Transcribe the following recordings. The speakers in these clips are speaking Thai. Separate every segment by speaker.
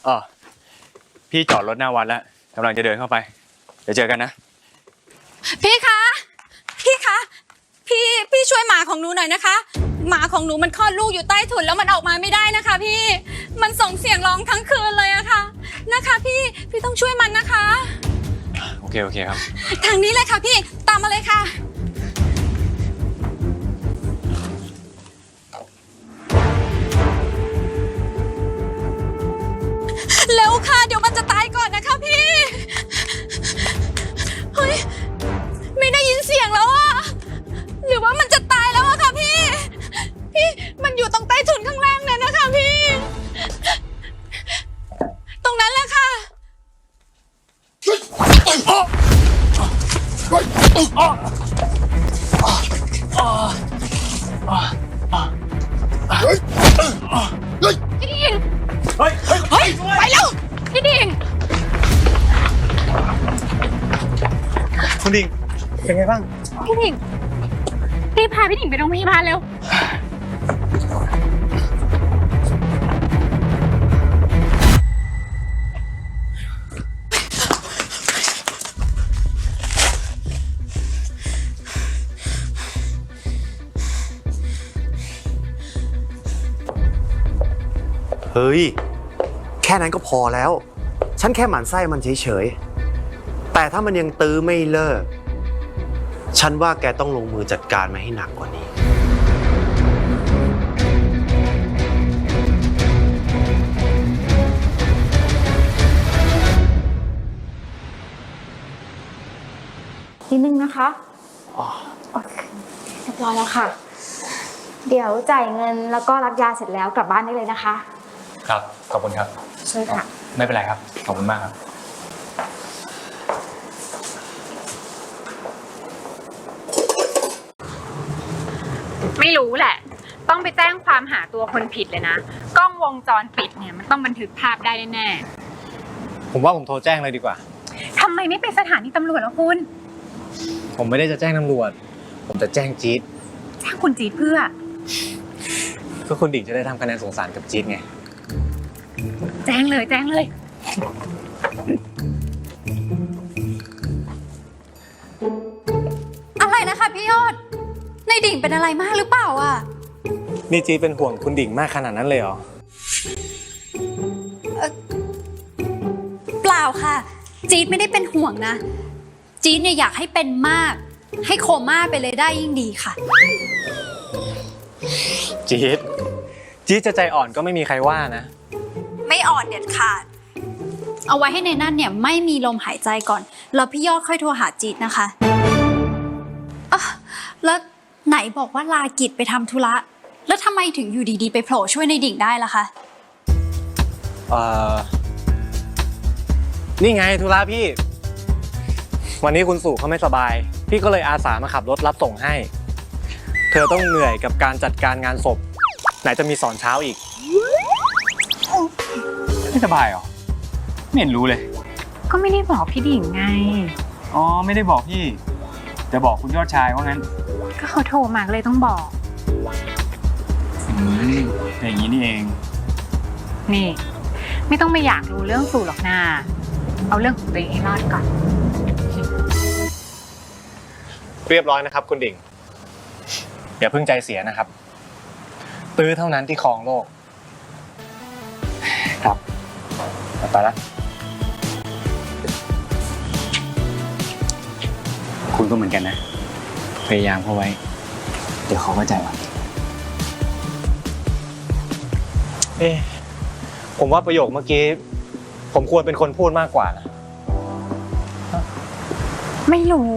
Speaker 1: อ๋อพี่จอดรถหน้าวัดแล้วกำลังจะเดินเข้าไปเดี๋ยวเจอกันนะ
Speaker 2: พี่คะพี่ช่วยหมาของหนูหน่อยนะคะหมาของหนูมันคลอดลูกอยู่ใต้ถุนแล้วมันออกมาไม่ได้นะคะพี่มันส่งเสียงร้องทั้งคืนเลยอะค่ะนะคะพี่ต้องช่วยมันนะคะ
Speaker 1: โอเคครับ
Speaker 2: ทางนี้เลยค่ะพี่ตามมาเลยค่ะเร็วค่ะเดี๋ยวมันจะตายก่อนนะคะพี่เฮ้ยไม่ได้ยินเสียงแล้วอะหรือว่ามันจะตายแล้วอะค่ะพี่มันอยู่ตรงใต้ถุนข้างล่างนั่นนะคะพี่ตรงนั้นแหละค่ะพี่ดิ่งเฮ้ยไปแล้วพี่ดิ่ง
Speaker 1: คุณดิ่งเป็นไงบ้าง
Speaker 2: พี่ดิ่งรีบพาพี่ดิ่งไปโรงพยาบาลเร็ว
Speaker 3: เฮ้ยแค่นั้นก็พอแล้วฉันแค่หมั่นไส้มันเฉยๆแต่ถ้ามันยังตื้อไม่เลิกฉันว่าแกต้องลงมือจัดการมาให้หนักกว่านี้
Speaker 4: นิดนึงนะคะโอเคเรียบร้อยแล้วค่ะเดี๋ยวจ่ายเงินแล้วก็รับยาเสร็จแล้วกลับบ้านได้เลยนะคะ
Speaker 1: ครับขอบคุณครับ
Speaker 4: ใช่ค่ะ
Speaker 1: ไม่เป็นไรครับขอบคุณมากครับ
Speaker 5: ไม่รู้แหละต้องไปแจ้งความหาตัวคนผิดเลยนะกล้องวงจรปิดเนี่ยมันต้องบันทึกภาพได้แน่
Speaker 1: ผมว่าผมโทรแจ้งเลยดีกว่า
Speaker 5: ทำไมไม่ไปสถานีตำรวจล่ะคุณ
Speaker 1: ผมไม่ได้จะแจ้งตำรวจผมจะแจ้งจี๊ด
Speaker 5: แจ้งคุณจี๊ดเพื่อ
Speaker 1: ก็คุณดิ่งจะได้ทำคะแนนสงสารกับจี๊ดไง
Speaker 5: แจ้งเลย
Speaker 2: อะไรนะคะพี่ยอดในดิ่งเป็นอะไรมากหรือเปล่าอ่ะ
Speaker 1: นี่จี๊ดเป็นห่วงคุณดิ่งมากขนาดนั้นเลยเหรอ
Speaker 2: เปล่าค่ะจี๊ดไม่ได้เป็นห่วงนะจี๊ดเนี่ยอยากให้เป็นมากให้โคม่าไปเลยได้ยิ่งดีค่ะ
Speaker 1: จี๊ดจะใจอ่อนก็ไม่มีใครว่านะ
Speaker 2: ไม่อ่อนเด็ดขาดเอาไว้ให้ในนั่นเนี่ยไม่มีลมหายใจก่อนแล้วพี่ยอดค่อยโทรหาจี๊ดนะคะแล้วไหนบอกว่าลากิจไปทำธุระแล้วทำไมถึงอยู่ดีๆไปโผล่ช่วยในดิ่งได้ล่ะคะ
Speaker 1: นี่ไงธุระพี่วันนี้คุณสู่เขาไม่สบายพี่ก็เลยอาสามาขับรถรับส่งให้เธอต้องเหนื่อยกับการจัดการงานศพไหนจะมีสอนเช้าอีกไม่สบายหรอไม่เห็นรู้เลย
Speaker 5: ก็ไม่ได้บอกพี่ดิ่งไง
Speaker 1: อ๋อไม่ได้บอกพี่จะบอกคุณยอดชายว่างั้น
Speaker 5: ก็เขาโทรมาเลยต้องบอก
Speaker 1: อย่างนี้นี่เอง
Speaker 5: นี่ไม่ต้องไปอยากรู้เรื่องสู่หรอกนาเอาเรื่องของตัวเองให้รอดก่อน
Speaker 1: เรียบร้อยนะครับคุณดิ่งอย่าเพิ่งใจเสียนะครับตื้อเท่านั้นที่ครองโลกครับไปแล้วคุณก็เหมือนกันนะพยายามเข้าไว้เดี๋ยวเขาก็ใจอ่อนผมว่าประโยคเมื่อกี้ผมควรเป็นคนพูดมากกว่านะ
Speaker 5: ไม่รู้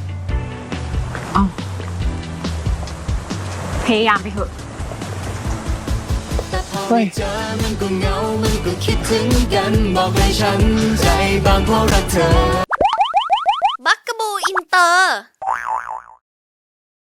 Speaker 5: พยายามไปเถอะ
Speaker 6: เฮ้ยเจอมันก็เหงามันก็คิดถึงกันบอกให้ฉันใจบางเพราะรักเธอ
Speaker 7: บักกะบูอินเตอร์